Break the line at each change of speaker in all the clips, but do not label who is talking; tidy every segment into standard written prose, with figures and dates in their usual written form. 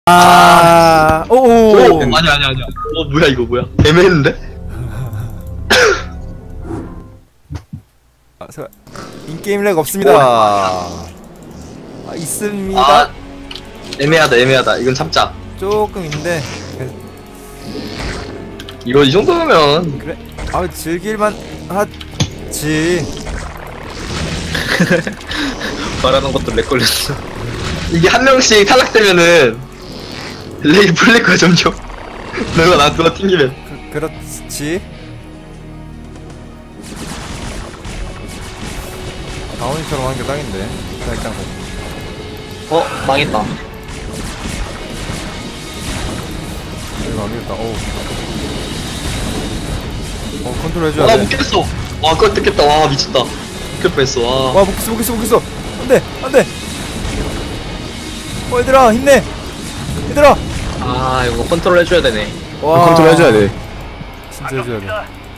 오오.
아니야. 뭐야 이거 뭐야? 애매했는데?
인게임 렉 없습니다. 있습니다.
아, 애매하다. 이건 참자.
조금 있는데.
이거 이 정도면
그래. 즐길만 하지.
말하는 것도 렉 걸렸어.
이게 한 명씩 탈락되면은 렉이 풀릴 거야 점점. 누가 튕기면.
그렇지. 다운이처럼 하는 게 딱인데. 일단
망했다.
이거 안 되겠다. 컨트롤 해줘야 돼.
못 깼어. 와, 그거 뜯겠다. 와, 미쳤다. 깰 뻔했어. 와.
못 깼어. 안돼. 얘들아, 힘내. 얘들아.
아, 이거 컨트롤 해줘야 되네.
컨트롤 해줘야 돼. 진짜 해줘야 돼.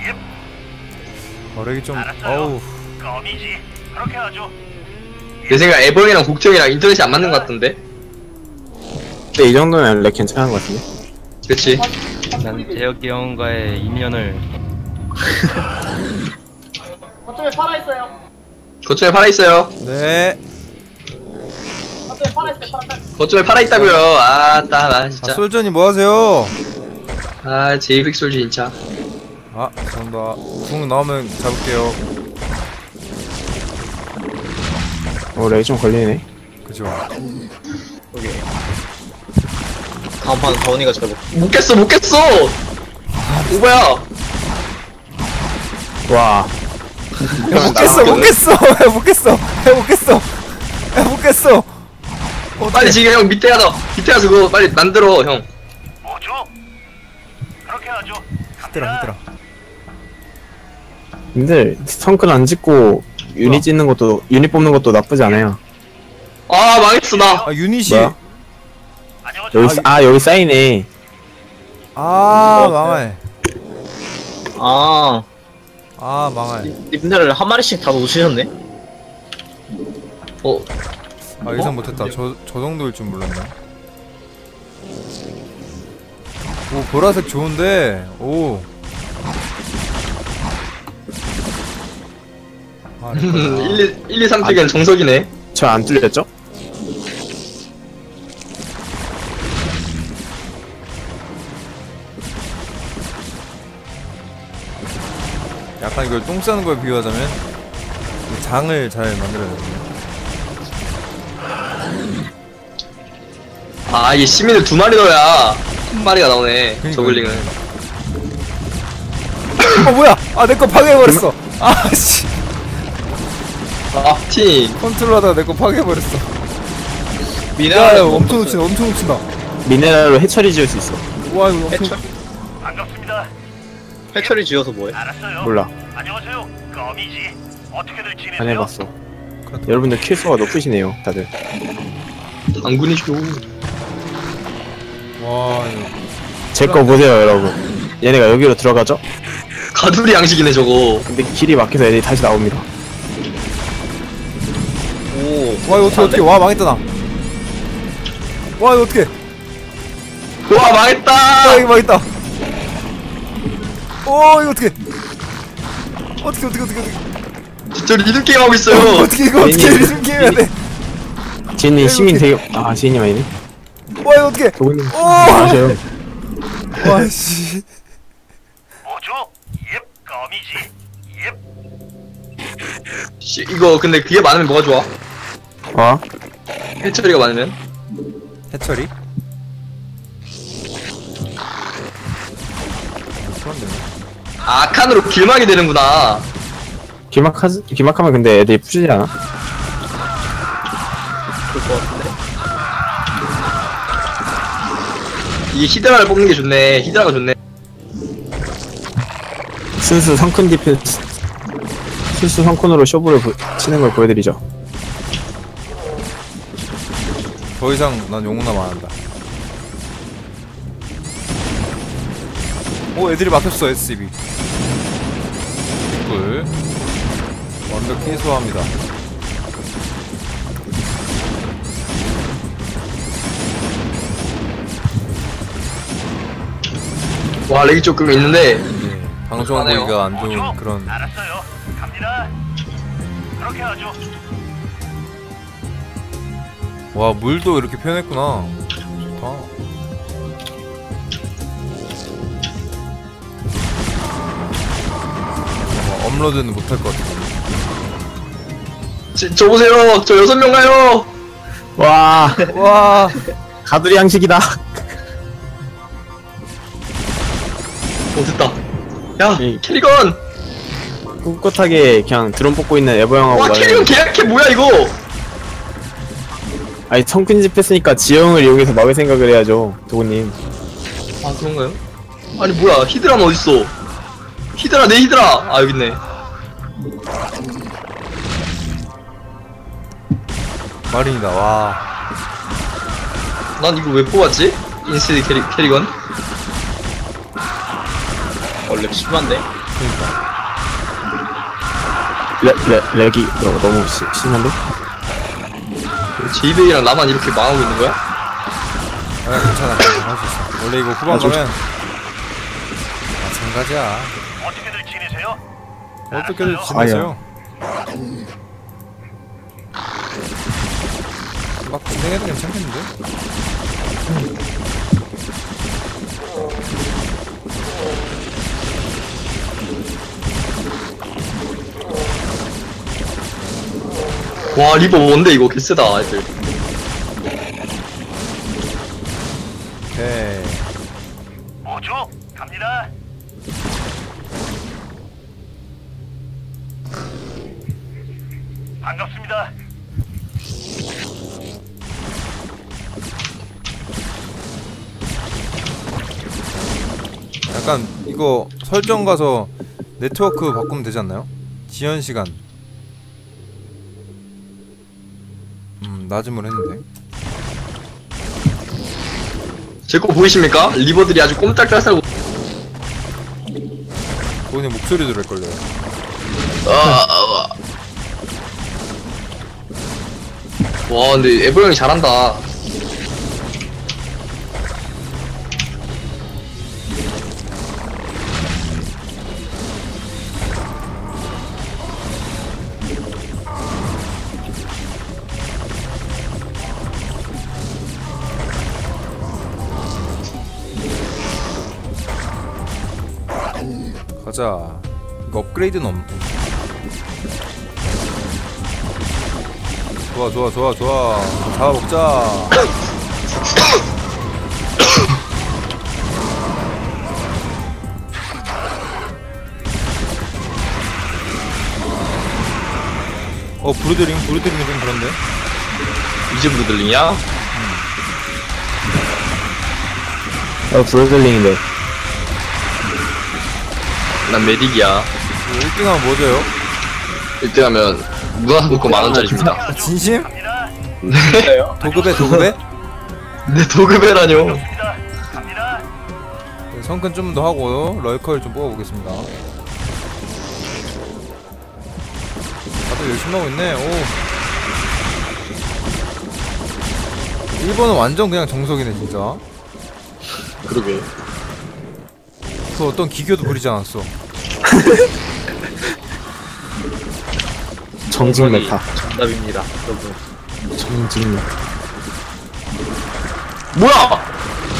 렉이 좀, 어우.
껌이지. 그렇게 하죠.
내 생각 애벌이랑 국정이랑 인터넷이 안 맞는 것 같던데?
근데 이 정도면 렉 괜찮은 것 같은데?
그치?
난 재혁이 형과의 인연을
거점에 팔아있어요.
거점에 팔아있어요.
네.
거점에 팔아있어요.
거점에 팔아있다고요. 나 진짜.
솔전이 뭐 하세요?
제이빅 솔지 진짜.
감사합니다. 궁 나오면 잡을게요.
렉이 좀 걸리네.
그죠?
다음 판은 다운이가 잡을.
못 깼어. 오바야.
와.
못 깼어.
빨리 지금 형 밑에 가서 그거 빨리 만들어 형.
뭐죠? 그렇게 하죠.
힘들어.
근데 성큰 안 짓고 유닛 짓는 것도 유닛 뽑는 것도 나쁘지 않아요.
망했어 나.
유닛이.
뭐야? 여기 쌓이네.
망해. 망해.
님들을 한 마리씩 다 놓으셨네?
예상 못했다. 저 정도일 줄 몰랐네. 보라색 좋은데.
1, 2, 3쪽엔 정석이네.
저 안 뚫렸죠?
약간 이걸 똥 싸는 거에 비유하자면 장을 잘 만들어야 되거든요.
이게 시민을 2마리 넣어야 한 마리가 나오네.
그러니까요.
저글링은.
뭐야? 내 거 파괴해버렸어. 씨.
팀.
컨트롤하다가 내 거 파괴해버렸어.
미네랄
엄청 놓친다.
미네랄로 해처리 지을 수 있어.
와, 이거 엄청.
반갑습니다.
해처리 지어서 뭐해?
알았어요.
몰라.
안녕하세요. 껌이지. 어떻게들 지내세요?
안 해봤어. 여러분들 킬수가 높으시네요, 다들.
당군이죠.
와, 이거.
제 거 보세요, 여러분. 얘네가 여기로 들어가죠?
가두리 양식이네 저거.
근데 길이 막혀서 애들이 다시 나옵니다.
와, 이거 어떻게. 와, 망했다, 나. 와, 이거 어떻게.
와 망했다.
이거 망했다. 이거 어떻게. 어떻게.
진짜 리듬 게임 하고 있어요.
어떻게 리듬 게임 해야 돼.
지인님 시민 되게 지인님 아니네?
와, 이거 어떻게.
도구님 아셔요.
와, 씨.
뭐죠? 껌이지.
이거 근데 그게 많으면 뭐가 좋아? 해처리가 많으면?
해처리? 그런데
칸으로 길막이 되는구나.
기막하면 근데 애들이 푸시지 않아?
그럴 것 같은데?
이게 히드라를 뽑는 게 좋네. 히드라가 좋네.
순수 성큰 디펜스 순수 성큰으로 쇼부를 치는 걸 보여드리죠.
더 이상 난 용납 안 한다. 애들이 막혔어. SCB 꿀 완벽히 소화합니다.
와 렉이 조금 있는데
네, 방송
하네요.
보기가 안 좋은
뭐죠?
그런.
알았어요. 갑니다. 그렇게 하죠.
와, 물도 이렇게 표현했구나. 좋다. 업로드는 못할 것 같아.
저 보세요. 저 6명 가요.
와,
와,
가두리 양식이다.
됐다. 야
이-
캐리건.
꿋꿋하게 그냥 드론 뽑고 있는 에버 형하고
와 캐리건 계약해 뭐야 이거.
아니 성큰 집 했으니까 지형을 이용해서 막을 생각을 해야죠, 도구님.
아 그런가요? 아니 뭐야 히드라는 어딨어? 히드라 내 히드라. 아 여기 있네.
마린이다. 와,
난 이거 왜 뽑았지? 인스티드 캐리건?
원래 심한데?
렉이 너무 심한데?
제이베이랑 나만 이렇게 망하고 있는 거야?
아, 괜찮아. 할 수 있어. 원래 이거 후반 가면 마찬가지야.
어떻게들 지내세요?
어떻게든
알았어요.
지내세요. 막 고생해도 괜찮겠는데?
와 리버 뭔데 이거 개쎄다 애들.
오케이.
뭐죠? 갑니다. 반갑습니다.
약간 이거 설정 가서 네트워크 바꾸면 되지 않나요? 지연 시간. 낮음을 했는데.
제 거 보이십니까? 리버들이 아주 꼼짝달싹.
본인 목소리 들을걸요.
와 근데 에버 형이 잘한다.
가자. 이거 업그레이드는 없고. 좋아 좋아 좋아 좋아. 잡아먹자. 브루드링이 좀 그런데.
이제 브루들링이야?
브로들링인데.
난 메딕이야.
1등 하면 뭐 줘요?
1등 하면 문화상품권 만원짜리입니다.
진심?
갑니다.
도급에 도급에?
내 도급해라뇨.
갑니다. 갑니다.
성큰 좀 더 하고 럴컬 좀 뽑아보겠습니다. 다들 열심히 하고 있네. 오. 1번은 완전 그냥 정석이네 진짜.
그러게.
그 어떤 기교도 부리지 않았어.
정직 메타.
정답입니다, 여러분.
정직 메타.
뭐야?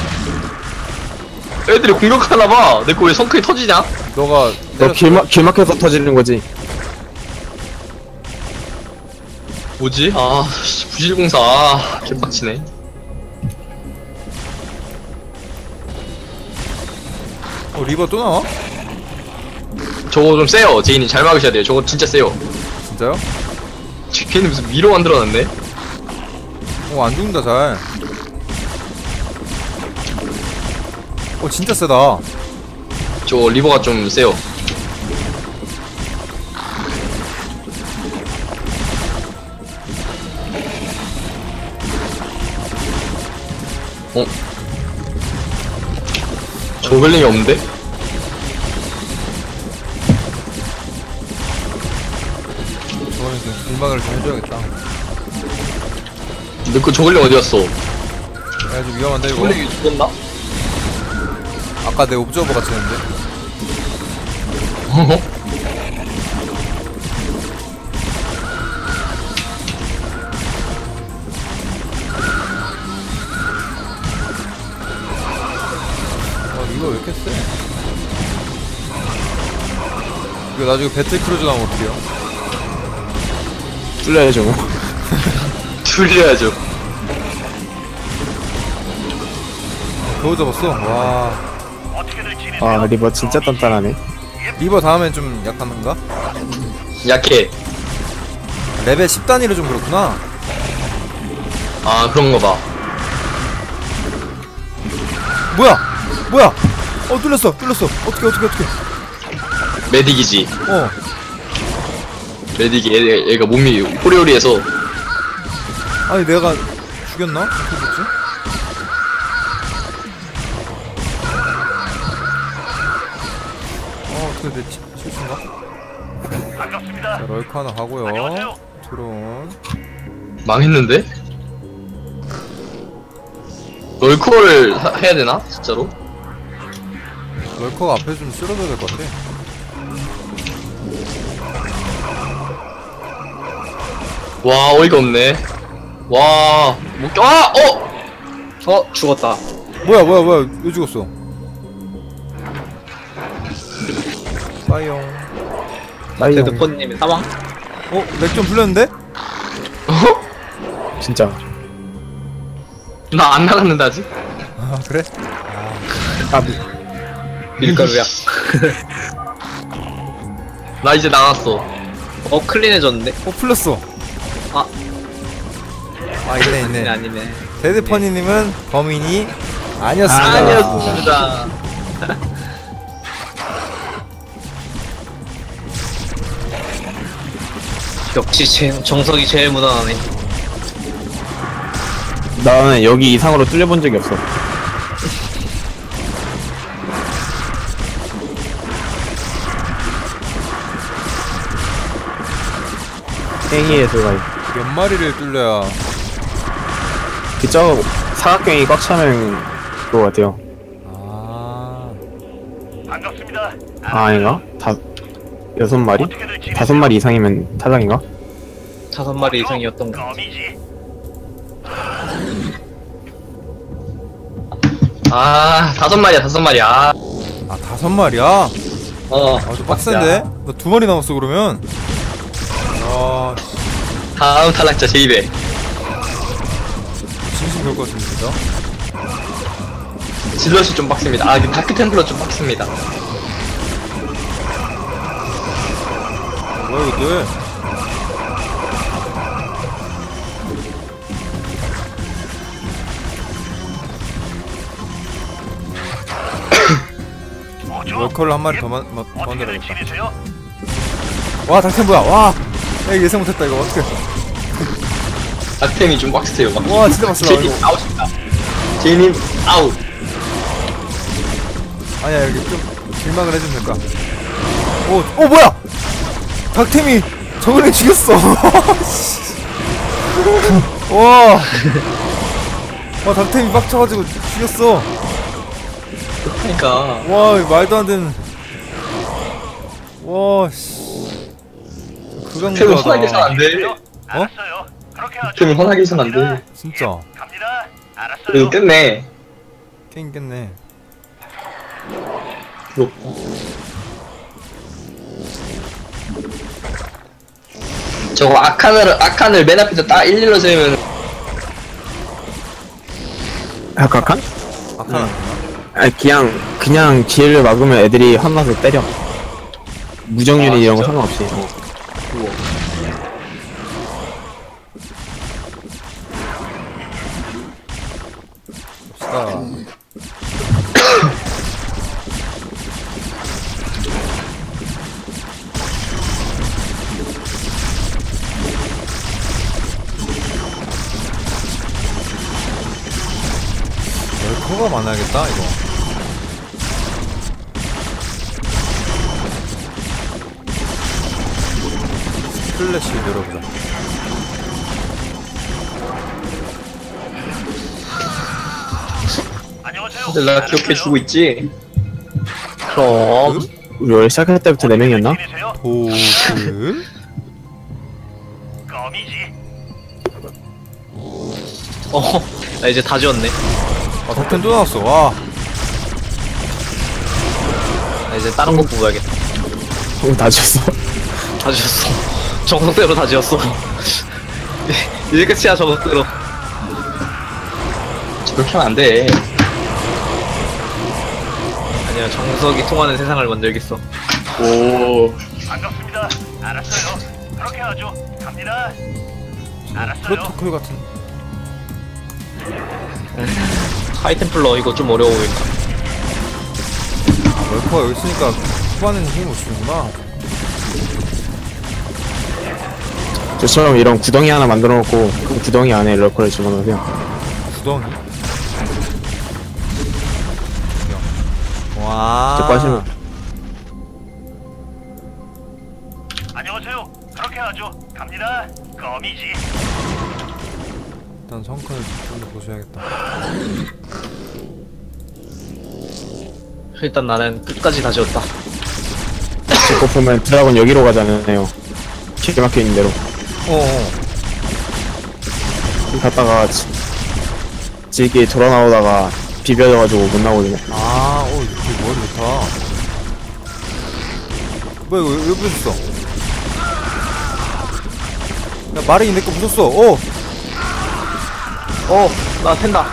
애들이 공격하나봐. 내 거 왜 성크이 터지냐?
너가
너 길막해서 터지는 거지.
뭐지? 아, 씨, 부실공사. 아, 개빡치네.
리버 또 나와?
저거 좀 세요. 제인이 잘 막으셔야 돼요. 저거 진짜 세요.
진짜요?
걔는 무슨 미로 만들어놨네?
안 죽는다 잘. 진짜 세다.
저 리버가 좀 세요. 조벨링이 없는데?
저거는 좀 공방을 좀 해줘야겠다.
내 거 조벨링 어디 갔어?
야 좀 위험한데 이거.
조벨링이 죽었나?
아까 내 옵저버 같이 했는데. 이거 왜 이렇게 세? 이거 나중에 배틀크루즈 나오면 어떡해요?
뚫려야죠 뭐.
줄려야죠.
겨우 잡았어? 와.
어떻게들 지내세요?
아 리버 진짜 단단하네.
리버 다음엔 좀 약한가?
약해.
레벨 10단위로 좀 그렇구나.
아, 그런가 봐.
뭐야? 뭐야? 뚫렸어. 어떻게.
메딕이지. 메딕이 얘가 몸이 호리호리해서.
아니 내가 죽였나? 어떻게 됐지? 어떻게 됐지? 실수인가?
반갑습니다.
자, 럴크 하나 가고요.
안녕하세요.
드론.
망했는데? 럴커를 해야 되나? 진짜로?
럴커가 앞에 좀 쓸어줘야 될 것 같아.
와, 어이가 없네. 와, 못 껴, 아!
죽었다.
뭐야? 왜 죽었어? 빠이용.
나이용.
데드폰님의 사망?
맥 좀 풀렸는데?
진짜.
나 안 나갔는데, 아직?
아 그래?
아
밀가루야.
나 이제 나갔어.
클린해졌는데?
풀렸어.
아.
있네.
아니네.
데드퍼니님은 범인이 아니었습니다.
아니었습니다.
역시 정석이 제일 무난하네.
나는 여기 이상으로 뚫려본 적이 없어. 땡이의 들어가.
몇 마리를 뚫려야.
그저 사각형이 꽉 차면 그거 같아요.
아.
반갑습니다.
아 아닌가? 6마리?
어떻게들 지내세요?
5마리 이상이면 타장인가?
5마리 이상이었던 거.
껌이지.
아, 5마리야, 5마리. 아,
5마리야? 좀 빡센데? 너 2마리 남았어 그러면? 아,
다음 탈락자 제2배.
진심 그럴 것 같은데 진짜?
질럿이 좀 빡습니다. 아, 다크 템플러 좀 빡습니다.
뭐야 이것들?
뭐죠?
월커를 한 마리 더
어떻게들
만들어야겠다.
지내세요?
와 닥템 뭐야? 와! 야 예상 못했다 이거 어떡해.
다크템이 좀 빡세요. 막.
와 진짜 빡세다
제이님
이거.
아웃입니다. 제이님 아웃.
아니야 여기 좀 길막을 해주면 될까? 뭐야! 닥템이 저걸 죽였어. 와 닥템이 빡쳐가지고 죽였어.
그러니까.
와 이거 말도 안 되는. 와 씨.
템이 화나게 해선 안 돼.
알았어요. 그렇게 하죠.
템이 화나게 해선 안 돼.
진짜
갑니다. 알았어요.
그래도 깼네.
게임 깼네.
부럽다. 저거 아칸을 맨 앞에서 딱 일일로 세우면
각한?
아카나.
아니 그냥 지혜를 막으면 애들이 한나서 때려. 무정윤이
아,
이런 거
진짜?
상관없이.
봅시다. 럴커가 많아야겠다 이거. 스플래시 열어보자.
안녕하세요.
다들 나 기억해주고 있지?
그럼.
우리 원래 시작할 때부터 4명이었나?
팀이세요?
보스.
껌이지.
나 이제 다 지웠네.
아 덕텐 또 나왔어. 와.
나 이제 다른 거 뽑아야겠다.
다 지웠어.
다 지웠어. 정석대로 다 지웠어. 이제 끝이야, 정석대로.
저렇게 하면 안 돼.
아니야, 정석이 통하는 세상을 만들겠어.
오.
반갑습니다. 알았어요. 그렇게 하죠. 갑니다. 알았어요.
프로토콜 같은.
하이템플러 이거 좀 어려워 보인다.
아 멀퍼가 여기 있으니까 후반에는 힘을 못 주는구나.
저처럼 이런 구덩이 하나 만들어 놓고 그 구덩이 안에 럴커를 집어넣으세요.
구덩이. 와.
저 빠지면
안녕하세요. 그렇게 하죠. 갑니다. 껌이지.
일단 성큰을 좀 더 보셔야겠다.
일단 나는 끝까지 다 지웠다.
제거 보면 드라곤 여기로 가잖아요. 기가 막혀있는 대로.
어어.
갔다가 지기 돌아 나오다가 비벼져가지고 못 나오거든요.
아, 이렇게 머리 좋다. 뭐야, 이거 왜 부셨어? 야, 마랭이 내 거 부셨어.
나 샌다.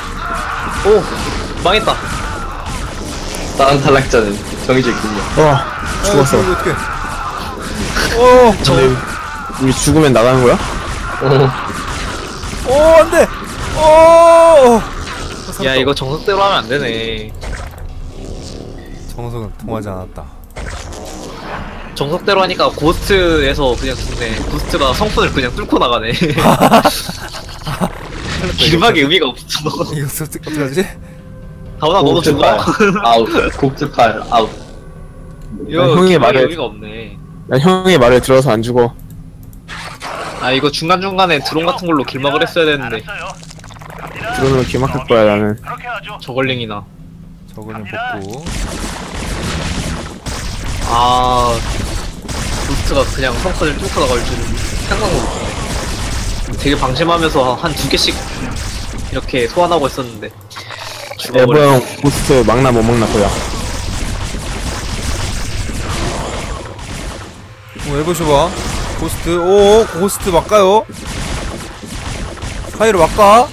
망했다.
다른 탈락자는 정해져 있군요.
와, 죽었어.
이거 어떡해.
근데 우리 죽으면 나가는 거야?
안 돼!
야, 이거 정석대로 하면 안 되네.
정석은 통하지 않았다.
정석대로 하니까 고스트에서 그냥 죽네. 고스트가 성분을 그냥 뚫고 나가네. 길막의 의미가 없어.
이거 어떡하지?
다운아, 너도 죽어.
아웃. 곡즈팔 아웃.
이거
형의
길막의
말을-
의미가 없네.
난 형의 말을 들어서 안 죽어.
아, 이거 중간중간에 드론 같은 걸로 길막을 했어야 되는데.
알았어요. 갑니다.
드론으로 길 막힐 거야 나는.
그렇게 하죠.
저걸링이나.
저거는 복구.
아, 고스트가 그냥 성분을 뚫고 나갈 줄은 생각도 못했네. 되게 방심하면서 한 2개씩 이렇게 소환하고 있었는데.
에버
죽어버려.
형 고스트 막나 못 막나 보야.
해보셔봐. 고스트. 고스트 막가요? 사이로 막가?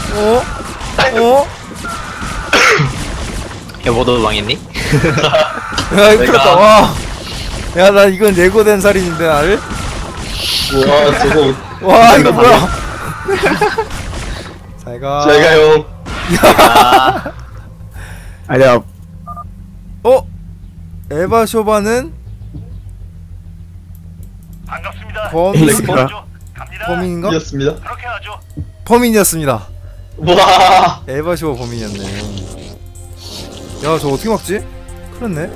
여보도 망했니?
야, 이거 큰일났다. 와. 야, 나 이건 예고된 살인인데, 나를?
우와, 저거.
와, 이거 뭐야? 잘가.
제가 형.
아니 내가
에바 쇼바는
반갑습니다.
에이스가
갑니다.
범인인가?
이었습니다.
그렇게 하죠.
범인이었습니다.
와.
에바 쇼바 범인이었네. 야, 저거 어떻게 막지? 큰일났네.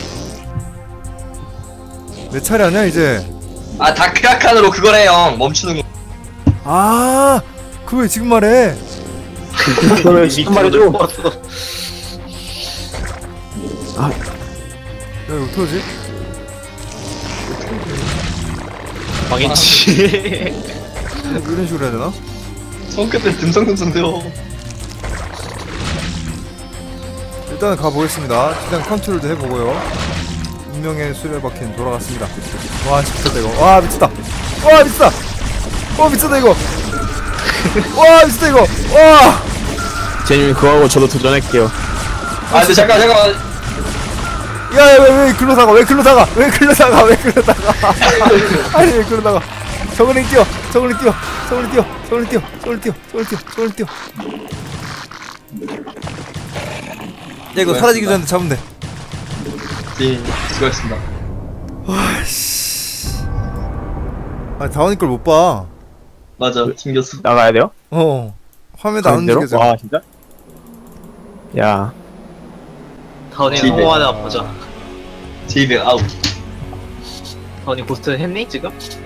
내 차례 아니야, 이제?
아, 다크아칸으로 그거래, 형. 멈추는 거.
아, 그거 왜 지금 말해?
그걸 지금 말해줘.
야, 이거 어떡하지?
망했지.
이런 식으로 해야 되나?
손끝에 듬성듬성대요.
일단은 가보겠습니다. 일단 컨트롤도 해보고요. 운명의 수레바퀴는 돌아갔습니다. 와, 미쳤다 이거. 와, 미쳤다. 와, 미쳤다. 미쳤다 이거. 와, 미쳤다 이거. 와.
제님 그거 하고 저도 도전할게요.
아, 근데 잠깐.
야, 왜 글로 사가? 왜 글로 사가? 왜 글로 사가? 왜 글로 사가? 아니, 왜 글로 나가? 저글링 뛰어. 저글링 뛰어. 저글링 뛰어. 저글링 뛰어. 저글링 뛰어. 저글링 뛰어. 저글링 뛰어. 야, 이거 사라지기 전에 잡으면 돼.
네, 수고하셨습니다.
와씨. 아, 다원이 걸 못 봐.
맞아, 튕겼어.
나가야 돼요?
화면도 안
가운데로?
움직여져.
와 진짜? 야
다운이
집에.
성공하나 보자.
제이백 아웃.
다운이 고스트 했니 지금?